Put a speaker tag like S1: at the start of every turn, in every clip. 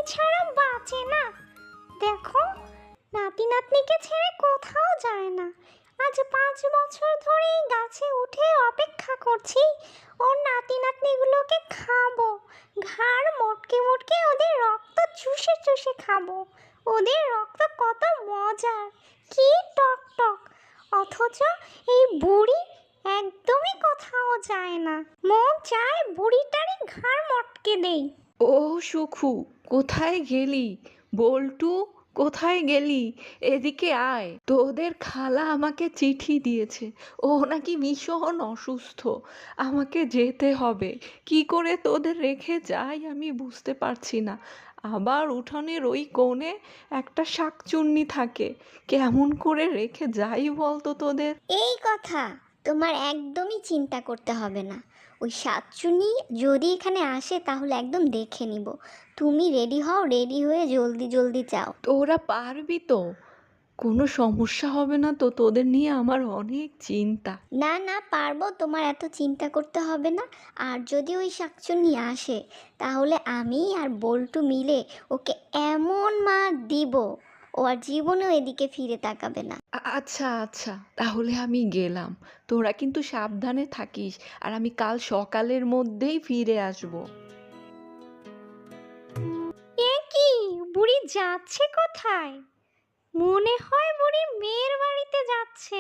S1: ছাড়া বাঁচে না। দেখো, নাতি নাতনিকে ছেড়ে কোথাও যায় না। আজ 5 বছর ধরে এই গাছে উঠে অপেক্ষা করছি ওর নাতি নাতনিগুলোকে খাবো। ঘাড় মোটকে মোটকে ওদের রক্ত চুষে চুষে খাবো। ওদের রক্ত কত মজার, কি টক টক। অথচ এই বুড়ি একদমই কোথাও যায় না। মন চায় বুড়িটারই ঘাড় মটকে দেই।
S2: ও সুখু, কোথায় গেলি? বল্টু, কোথায় গেলি? এদিকে আয়। তোদের খালা আমাকে চিঠি দিয়েছে, ও নাকি ভীষণ অসুস্থ, আমাকে যেতে হবে। কি করে তোদের রেখে যাই আমি বুঝতে পারছি না। আবার উঠানের ওই কোণে একটা শাকচুন্নি থাকে, কেমন করে রেখে যাই বলতো তোদের?
S1: এই কথা তোমার একদমই চিন্তা করতে হবে না। ওই সাতচুনি যদি এখানে আসে তাহলে একদম দেখে নিব। তুমি রেডি হও, রেডি হয়ে জলদি জলদি যাও।
S2: তোরা পারবি তো? কোনো সমস্যা হবে না তো? তোদের নিয়ে আমার অনেক চিন্তা।
S1: না না, পারবো, তোমার এত চিন্তা করতে হবে না। আর যদি ওই শাকচুন্নি আসে তাহলে আমি আর বল্টু মিলে ওকে এমন মার দিব ও আর জীবনেও এদিকে ফিরে তাকাবে না।
S2: আচ্ছা আচ্ছা, তাহলে আমি গেলাম। তোরা কিন্তু সাবধানে থাকিস, আর আমি কাল সকালের মধ্যেই ফিরে আসব।
S1: এ কি, বুড়ি যাচ্ছে কোথায়? মনে হয় বুড়ি মেয়ের বাড়িতে যাচ্ছে।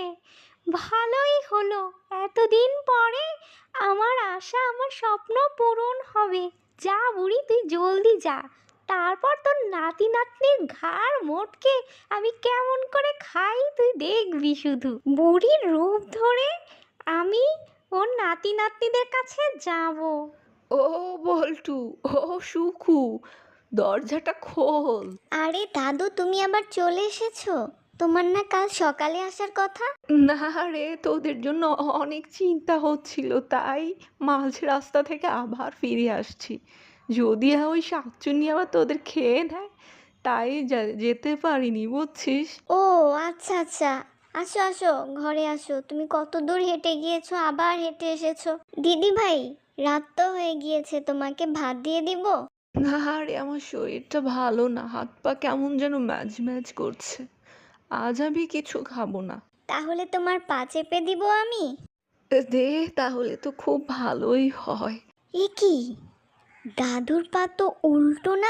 S1: ভালোই হলো, এতদিন পরে আমার আশা, আমার স্বপ্ন পূরণ হবে। যা বুড়ি, তুই জলদি যা। তারপর তোর নাতি নাতনির ঘাড় মোটকে আমি কেমন করে খাই তুই দেখবি শুধু। বুড়ির রূপ ধরে আমি ওর নাতি নাতনিদের কাছে যাব।
S2: ও বল্টু, ও সুখু, দরজাটা খোল।
S1: আরে দাদু, তুমি আবার চলে এসেছো? তোমার না কাল সকালে আসার কথা?
S2: না রে, তোদের জন্য অনেক চিন্তা হচ্ছিল, তাই মাঝ রাস্তা থেকে আবার ফিরে আসছি। যদি ওই শাকচুন্নি আবার তোদের খেয়ে নেয়, তাই যেতে পারিনি, বুঝছিস?
S1: ও আচ্ছা আচ্ছা, আসো আসো, ঘরে আসো। তুমি কত দূর হেঁটে গিয়েছো, আবার হেঁটে এসেছো? দিদি ভাই, রাত তো হয়ে গিয়েছে, তোমাকে ভাত দিয়ে দিব?
S2: না রে, আমার শরীরটা ভালো না, হাত পা কেমন যেন ম্যাজ ম্যাজ করছে। আজ আমি কিছু খাবো না।
S1: তাহলে তোমার পা চেপে দিব আমি?
S2: দে, তাহলে তো খুব ভালোই হয়।
S1: এ কি, দাদুর পা তো উল্টো না?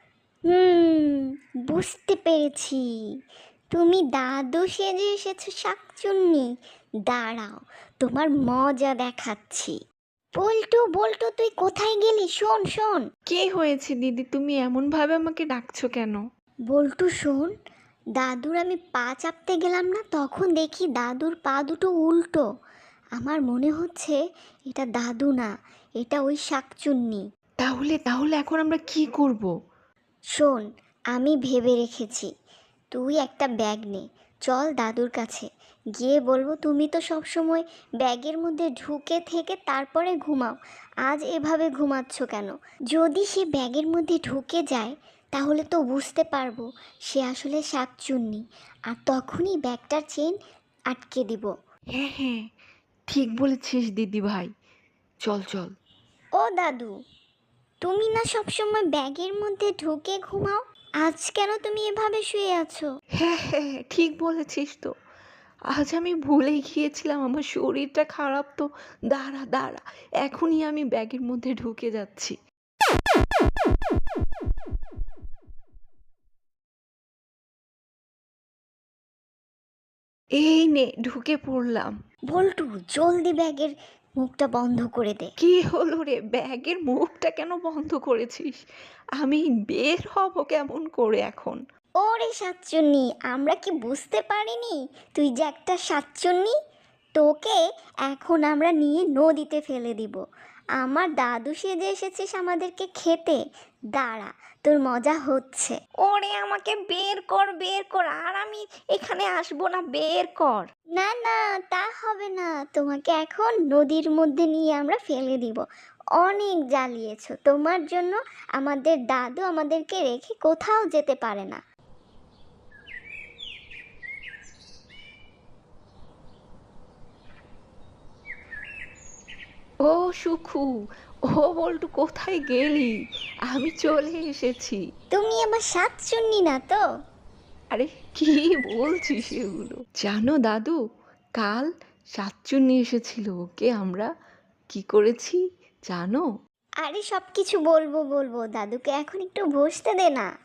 S1: হুম, বুঝতে পেরেছি। তুমি দাদু সেজে এসেছো শাকচুন্নি। দাঁড়াও, তোমার মজা দেখাচ্ছি। বল্টু বল্টু, তুই কোথায় গেলি? শোন শোন।
S2: কি হয়েছে দিদি, তুমি এমন ভাবে আমাকে ডাকছো কেন?
S1: বল্টু শোন, দাদুর আমি পা চাপতে গেলাম না, তখন দেখি দাদুর পা দুটো উল্টো। আমার মনে হচ্ছে এটা দাদু না, এটা ওই শাকচুন্নি।
S2: তাহলে তাহলে এখন আমরা কি করব?
S1: শোন, আমি ভেবে রেখেছি। তুই একটা ব্যাগ নে, চল দাদুর কাছে। গিয়ে বলবো তুমি তো সব সময় ব্যাগের মধ্যে ঢুকে থেকে তারপরে ঘুমাও। আজ এভাবে ঘুমাচ্ছ কেন? যদি সে ব্যাগের মধ্যে ঢুকে যায় তাহলে তো বুঝতে পারবো সে আসলে শাকচুন্নি, আর তখনই ব্যাগটার চেন আটকে দিব।
S2: হ্যাঁ হ্যাঁ, ঠিক বলেছিস দিদি ভাই, চল চল।
S1: ও দাদু, তুমি না সবসময় ব্যাগের মধ্যে ঢুকে ঘুমাও, আজ কেন তুমি এভাবে শুয়ে আছো?
S2: হ্যাঁ হ্যাঁ হ্যাঁ, ঠিক বলেছিস তো। আজ আমি ভুলে গিয়েছিলাম, আমার শরীরটা খারাপ তো। দাঁড়া দাঁড়া, এখনই আমি ব্যাগের মধ্যে ঢুকে যাচ্ছি। এই নে, ঢুকে পড়লাম।
S1: বল্টু, জলদি ব্যাগের মুখটা বন্ধ করে দে।
S2: কি হলো রে, ব্যাগের মুখটা কেন বন্ধ করেছিস? আমি বের হব কেমন করে এখন?
S1: ওরে সাতচুন্নি, আমরা কি বুঝতে পারিনি তুই যে একটা সাতচুন্নি? তোকে এখন আমরা নিয়ে নদীতে ফেলে দিব। আমার দাদু সেজে এসেছিস আমাদেরকে খেতে। দাঁড়া, তোর মজা হচ্ছে। ওরে আমাকে বের কর, বের কর, আর আমি এখানে আসবো না, বের কর। না না, তা হবে না, তোমাকে এখন নদীর মধ্যে নিয়ে আমরা ফেলে দিব। অনেক জ্বালিয়েছো, তোমার জন্য আমাদের দাদু আমাদেরকে রেখে কোথাও যেতে পারে না।
S2: ও সুখু, ও বল্টু, কোথায় গেলি? আমি চলে এসেছি।
S1: তুমি আমার শাকচুন্নি না তো?
S2: আরে কি বলছিস এগুলো? জানো দাদু, কাল শাকচুন্নি এসেছিল, ওকে আমরা কি করেছি জানো?
S1: আরে সব কিছু বলবো বলবো, দাদুকে এখন একটু বসতে দে না।